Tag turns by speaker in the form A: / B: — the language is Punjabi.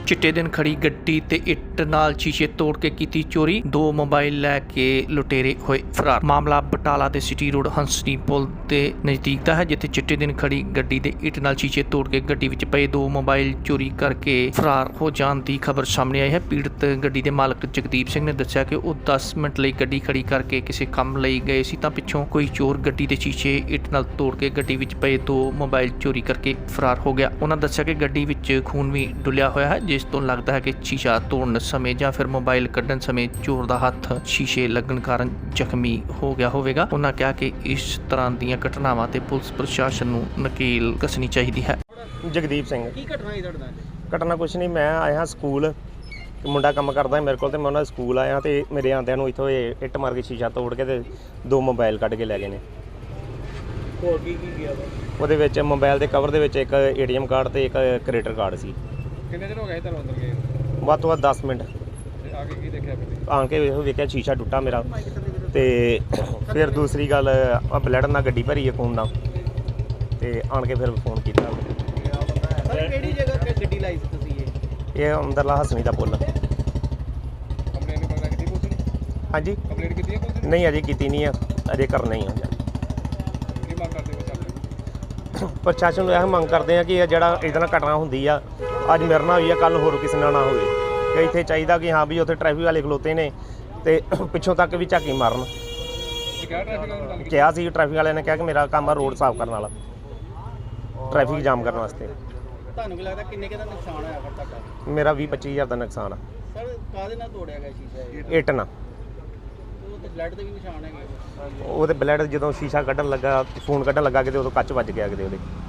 A: चिट्टे दिन खड़ी गड्डी ते इट नाल शीशे तोड़ के कीती चोरी, 2 मोबाइल लैके लुटेरे होए फरार। मामला बटाला दे सिटी रोड हंसनी पुल के नज़दीक दा है, जिथे चिट्टे दिन खड़ी गड्डी दे इट नाल शीशे तोड़ के गड्डी विच पए 2 मोबाइल चोरी करके फरार हो जाण दी खबर सामने आई है। पीड़ित गड्डी के मालक जगदीप सिंह ने दस्सिया कि वो 10 मिनट लई गड्डी खड़ी करके किसी काम लई गए सी तां पिछों कोई चोर गड्डी दे शीशे इट नाल तोड़ के गड्डी विच पए 2 मोबाइल चोरी करके फरार हो गया। उन्होंने दस्सिया कि गड्डी विच खून भी डुलिया होया है, जिस ਤੋਂ लगता है कि शीशा तोड़न समय ਜਾਂ फिर मोबाइल ਕੱਢਣ समय चोर ਦਾ ਹੱਥ शीशे लगन कारण ਜ਼ਖਮੀ हो गया ਹੋਵੇਗਾ। ਉਹਨਾਂ ਕਿਹਾ ਕਿ ਇਸ ਤਰ੍ਹਾਂ ਦੀਆਂ ਘਟਨਾਵਾਂ ਤੇ ਪੁਲਿਸ ਪ੍ਰਸ਼ਾਸਨ ਨੂੰ ਨਕੇਲ ਕੱਸਣੀ ਚਾਹੀਦੀ ਹੈ।
B: ਜਗਦੀਪ ਸਿੰਘ।
C: ਕੀ ਘਟਨਾ ਹੋਈ ਤੁਹਾਡੇ ਨਾਲ?
B: ਘਟਨਾ ਕੁਛ ਨਹੀਂ, ਮੈਂ ਆਇਆ ਸਕੂਲ, ਮੁੰਡਾ ਕੰਮ ਕਰਦਾ ਮੇਰੇ ਕੋਲ, ਤੇ ਮੈਂ ਉਹਨਾਂ ਦੇ ਸਕੂਲ ਆਇਆ ਤੇ ਮੇਰੇ ਆਂਦਿਆਂ ਨੂੰ ਇੱਥੋਂ ਇੱਟ ਮਾਰ ਕੇ ਸ਼ੀਸ਼ਾ ਤੋੜ ਕੇ ਤੇ 2 ਮੋਬਾਈਲ ਕੱਢ ਕੇ ਲੈ ਗਏ ਨੇ।
C: ਹੋਰ ਕੀ ਗਿਆ ਵਾ?
B: ਉਹਦੇ ਵਿੱਚ ਮੋਬਾਈਲ ਦੇ ਕਵਰ ਦੇ ਵਿੱਚ ਇੱਕ ATM ਕਾਰਡ ਤੇ ਇੱਕ ਕ੍ਰੈਡਿਟ ਕਾਰਡ ਸੀ।
C: ਕਿੰਨੇ ਦਿਨ ਹੋ ਗਏ ਤੁਹਾਨੂੰ ਅੰਦਰ ਗਏ?
B: ਵੱਧ ਤੋਂ ਵੱਧ 10 ਮਿੰਟ।
C: ਤੇ ਆ ਕੇ ਕੀ ਦੇਖਿਆ ਫਿਰ?
B: ਆਣ ਕੇ ਵੇਖਿਆ ਸ਼ੀਸ਼ਾ ਟੁੱਟਾ ਮੇਰਾ, ਤੇ ਫਿਰ ਦੂਸਰੀ ਗੱਲ ਆ ਬਲੱਡ ਨਾਲ ਗੱਡੀ ਭਰੀ ਹੈ ਖੂਨ ਨਾਲ, ਤੇ ਆਣ ਕੇ ਫਿਰ ਫੋਨ ਕੀਤਾ।
C: ਸਰ ਕਿਹੜੀ ਜਗ੍ਹਾ ਤੇ ਗੱਡੀ ਲਾਈ ਸੀ ਤੁਸੀਂ?
B: ਇਹ ਅੰਦਰਲਾ ਹਸਣੀ ਦਾ ਪੁੱਲ।
C: ਕੰਪਲੇਂਟ ਵਗੈਰਾ ਕੀਤੀ ਪੁਲਿਸ ਨੇ?
B: ਹਾਂਜੀ
C: ਕੰਪਲੇਂਟ ਕੀਤੀ ਹੈ ਪੁਲਿਸ ਨੇ?
B: ਨਹੀਂ ਅਜੇ ਕੀਤੀ ਨਹੀਂ ਆ, ਅਜੇ ਕਰਨਾ ਹੀ ਆ।
C: ਕੀ ਮੰਗ ਕਰਦੇ ਹੋ?
B: ਪ੍ਰਸ਼ਾਸਨ ਨੂੰ ਇਹ ਮੰਗ ਕਰਦੇ ਆ ਕਿ ਇਹ ਜਿਹੜਾ ਇਹਦੇ ਨਾਲ ਘਟਨਾ ਹੁੰਦੀ ਆ, ਅੱਜ ਮੇਰੇ ਨਾਲ ਹੋਈ ਆ, ਕੱਲ ਹੋਰ ਕਿਸੇ ਨਾਲ ਨਾ ਹੋਵੇ। ਕਿ ਇੱਥੇ ਚਾਹੀਦਾ ਕਿ ਹਾਂ ਵੀ ਉੱਥੇ ਟ੍ਰੈਫਿਕ ਵਾਲੇ ਖਲੋਤੇ ਨੇ ਤੇ ਪਿੱਛੋਂ ਤੱਕ ਵੀ ਝਾਕੀ ਮਾਰਨ।
C: ਕਿਹਾ ਟ੍ਰੈਫਿਕ ਵਾਲਿਆਂ ਨੂੰ?
B: ਕਿਹਾ ਸੀ ਟ੍ਰੈਫਿਕ ਵਾਲਿਆਂ ਨੇ ਕਿਹਾ ਕਿ ਮੇਰਾ ਕੰਮ ਆ ਰੋਡ ਸਾਫ਼ ਕਰਨ ਵਾਲਾ, ਟ੍ਰੈਫਿਕ ਜਾਮ ਕਰਨ ਵਾਸਤੇ।
C: ਤੁਹਾਨੂੰ ਕੀ ਲੱਗਦਾ ਕਿੰਨੇ ਕੁ ਦਾ ਨੁਕਸਾਨ ਹੋਇਆ ਫਿਰ ਤੁਹਾਡਾ?
B: ਮੇਰਾ 20-25 ਹਜ਼ਾਰ ਦਾ ਨੁਕਸਾਨ ਆ।
C: ਸਰ ਕਾਹਦੇ ਨਾਲ ਤੋੜਿਆ ਗਿਆ ਸ਼ੀਸ਼ਾ?
B: ਇੱਟ ਨਾਲ।
C: ਉਹ ਤੇ ਬਲੱਡ ਦੇ ਵੀ ਨਿਸ਼ਾਨ ਹੈਗੇ।
B: ਉਹਦੇ ਬਲੱਡ ਜਦੋਂ ਸ਼ੀਸ਼ਾ ਕੱਢਣ ਲੱਗਾ, ਫੋਨ ਕੱਢਣ ਲੱਗਾ ਕਿਤੇ, ਉਦੋਂ ਕੱਚ ਵੱਜ ਗਿਆ ਕਿਤੇ ਉਹਦੇ।